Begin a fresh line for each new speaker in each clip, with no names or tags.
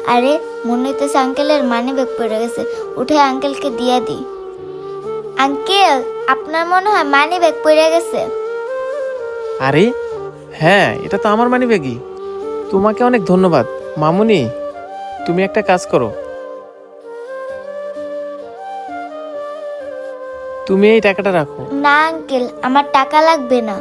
আরে মনে হইতেছে আঙ্কেলের মানি ব্যাগ পড়ে গেছে, উঠে আঙ্কেলকে দিয়ে দিই। আঙ্কেল, আপনার মনে হয় মানি ব্যাগ পড়ে গেছে।
আরে হ্যাঁ, এটা তো আমার মানিব্যাগই। তোমাকে অনেক ধন্যবাদ মামুনি। তুমি একটা কাজ করো, তুমি এই টাকাটা রাখো।
না আঙ্কেল, আমার টাকা লাগবে না।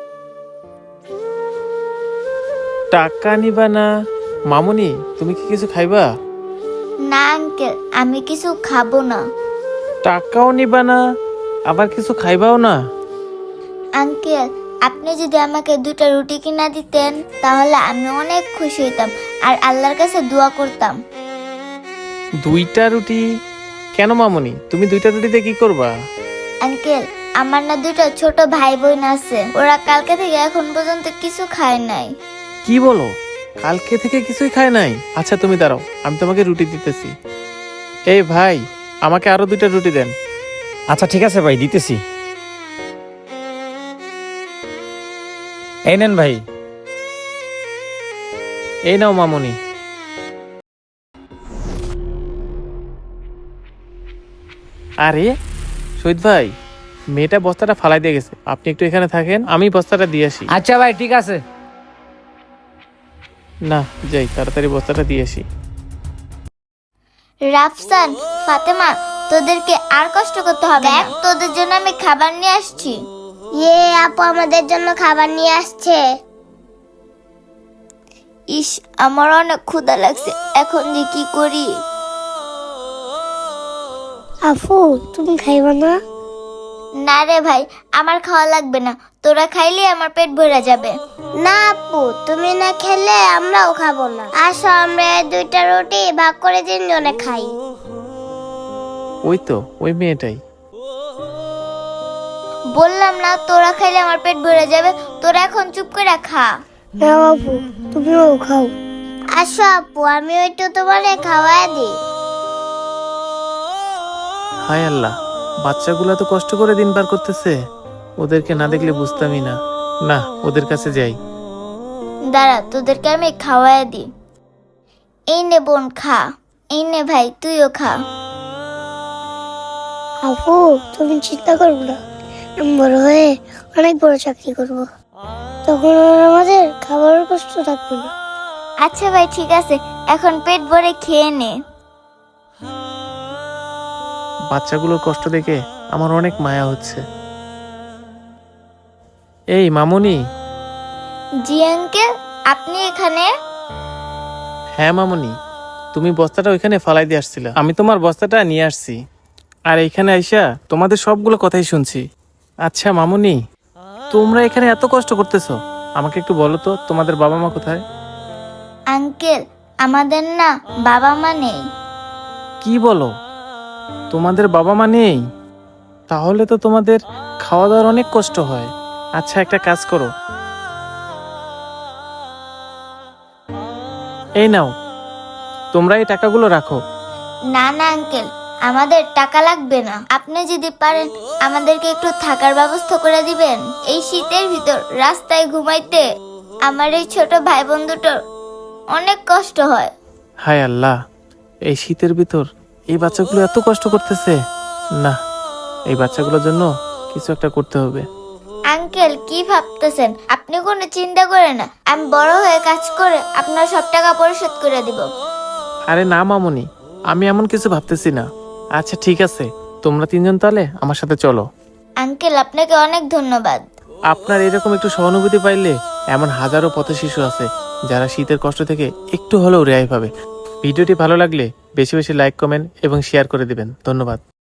টাকা নিবা না? মামুনি, তুমি কি কিছু খাইবা?
না আঙ্কেল, আমি কিছু খাবো না।
টাকাও নিবা না, আবার কিছু খাইবাও না?
আঙ্কেল, আপনি যদি আমাকে 2টা রুটি কিনা দিতেন তাহলে আমি অনেক খুশি হইতাম আর আল্লাহর কাছে দোয়া করতাম।
2টা রুটি? কেন মামুনি, তুমি 2টা রুটিতে কি করবা?
আঙ্কেল, আমার না 2টা ছোট ভাই বোন আছে, ওরা কালকে থেকে এখন পর্যন্ত কিছু খায় নাই।
কি বলো, কালকে থেকে কিছুই খায় নাই? আচ্ছা তুমি দাঁড়াও, আমি তোমাকে রুটি দিতেছি। এই ভাই, আমাকে আরো 2টা রুটি দেন।
আচ্ছা ঠিক আছে ভাই, দিতেছি। এই নেন ভাই।
এই নাও মামুনি। আরে শহীদ ভাই, মেয়েটা বস্তাটা ফালাই দিয়ে গেছে, আপনি একটু এখানে থাকেন, আমি বস্তাটা দিয়ে আসি।
আচ্ছা ভাই, ঠিক আছে।
না যাই, তাড়াতাড়ি বস্তাটা দিয়ে আসি।
রাফসান, ফাতেমা, তোদেরকে আর কষ্ট করতে হবে না, তোদের জন্য আমি খাবার নিয়ে আসছি। আপু আমাদের জন্য খাবার নিয়ে আসছে। ইস, আমার অনেক ক্ষুধা লাগছে, এখন যে কি করি।
আপু তুমি খাইবা না?
না রে ভাই, আমার খাওয়া লাগবে না, তোরা খাইলে আমার পেট ভরে যাবে।
না আপু, তুমি না খেলে আমরাও খাবো না। আসো আমরা 2টা রুটি ভাগ করে 3 জনে খাই।
ওই তো ওই মেয়েটাই।
বললাম না তোরা খাইলে আমার পেট ভরে যাবে, তোরা এখন চুপ করে খা।
না আপু, তুমিও খাও। আসো আপু, আমি একটু তোমারে খাওয়াই দিই।
হায় আল্লাহ, বাচ্চাগুলো তো কষ্ট করে দিন পার করতেছে, ওদেরকে না দেখলে বুঝতামই না। না, ওদের কাছে যাই।
দাঁড়া, তোদেরকে আমি খাওয়াই দিই। এই নে বোন, খা। এই নে ভাই, তুইও খা।
আপু তুমি চিন্তা করো না, আমি বড় হয়ে অনেক বড় চাকরি করব, তখন আর আমাদের খাবারের কষ্ট থাকবে না।
আচ্ছা ভাই, ঠিক আছে, এখন পেট ভরে খেয়ে নে।
বাচ্চাগুলোর কষ্ট দেখে আমার অনেক মায়া হচ্ছে। এই মামুনি।
জি আঙ্কেল, আপনি এখানে?
হ্যাঁ মামুনি, তুমি বস্তাটা ওইখানে ফালাই দিয়ে আসছিলা, আমি তোমার বস্তাটা নিয়ে আসছি, আর এইখানে আইসা তোমাদের সবগুলো কথাই শুনছি। আচ্ছা মামুনি, তোমরা এখানে এত কষ্ট করতেছো, আমাকে একটু বলো তো তোমাদের বাবা মা কোথায়?
আঙ্কেল, আমাদের না বাবা মা নেই।
কি বলো, তোমাদের বাবা মা নেই? তাহলে তো তোমাদের খাওয়া দাওয়ার অনেক কষ্ট হয়। আচ্ছা একটা কাজ করো, এই নাও, তোমরা এই টাকাগুলো রাখো।
না না আঙ্কেল, আমাদের টাকা লাগবে না, আপনি যদি পারেন আমাদেরকে একটু থাকার ব্যবস্থা করে দিবেন। এই শীতের ভিতর রাস্তায় ঘুমাইতে আমার এই ছোট ভাই বোন দুটোর অনেক কষ্ট হয়।
হায় আল্লাহ, এই শীতের ভিতর এই বাচ্চাগুলো এত কষ্ট করতেছে। না, এই বাচ্চাগুলোর জন্য কিছু একটা করতে হবে।
আঙ্কেল, কি ভাবতেছেন? আপনি কোনো চিন্তা করেন না, আমি বড় হয়ে কাজ করে আপনার সব টাকা পরিশোধ করে দিব।
আরে না মামুনি, আমি এমন কিছু ভাবতেছি না। আচ্ছা ঠিক আছে, তোমরা 3জন তাহলে আমার সাথে চলো।
আঙ্কেল, আপনাকে অনেক ধন্যবাদ।
আপনার এরকম একটু সহানুভূতি পাইলে এমন হাজারো পথ শিশু আছে যারা শীতের কষ্ট থেকে একটু হলেও রেহাই পাবে। ভিডিওটি ভালো লাগলে বেশি বেশি লাইক, কমেন্ট এবং শেয়ার করে দিবেন। ধন্যবাদ।